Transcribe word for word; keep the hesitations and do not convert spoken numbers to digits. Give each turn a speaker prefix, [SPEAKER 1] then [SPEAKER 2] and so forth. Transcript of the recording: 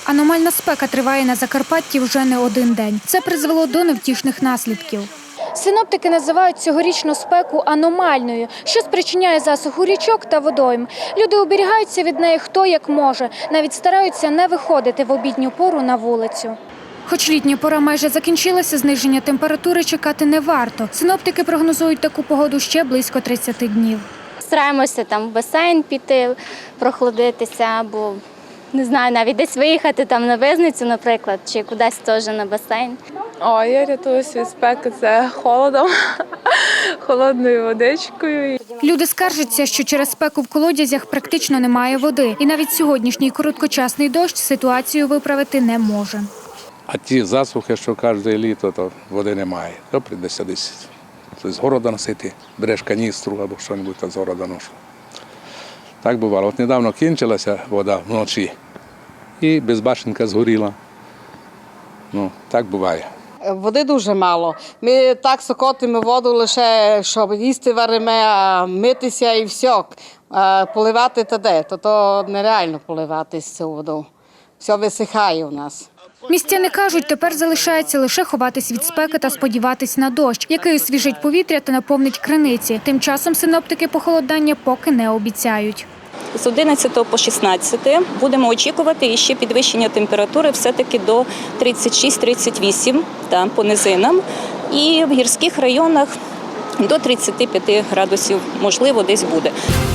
[SPEAKER 1] Аномальна спека триває на Закарпатті вже не один день. Це призвело до невтішних наслідків. Синоптики називають цьогорічну спеку аномальною, що спричиняє засуху річок та водойм. Люди оберігаються від неї хто як може, навіть стараються не виходити в обідню пору на вулицю. Хоч літня пора майже закінчилася, зниження температури чекати не варто. Синоптики прогнозують таку погоду ще близько тридцяти днів.
[SPEAKER 2] Стараємося там в басейн піти, прохолодитися або, не знаю, навіть десь виїхати там на Визницю, наприклад, чи кудись теж на басейн.
[SPEAKER 3] О, я рятуюся від спеки, це холодом, холодною водичкою.
[SPEAKER 1] Люди скаржаться, що через спеку в колодязях практично немає води. І навіть сьогоднішній короткочасний дощ ситуацію виправити не може.
[SPEAKER 4] А ті засухи, що кожне літо, то води немає. То прийдеться десь з города носити, береш каністру або щось з города ношу. Так бувало. От недавно кінчилася вода вночі і безбашенка згоріла. Ну, так буває.
[SPEAKER 5] Води дуже мало. Ми так сокотимо воду лише, щоб їсти варимо, а митися і все. А поливати та де, то, то нереально поливати з цю воду. Все висихає у нас.
[SPEAKER 1] Містяни кажуть, тепер залишається лише ховатись від спеки та сподіватись на дощ, який освіжить повітря та наповнить криниці. Тим часом синоптики похолодання поки не обіцяють.
[SPEAKER 6] З одинадцятого по шістнадцяте будемо очікувати ще підвищення температури все-таки до тридцять шість - тридцять вісім там, по низинам. І в гірських районах до тридцяти п'яти градусів, можливо, десь буде.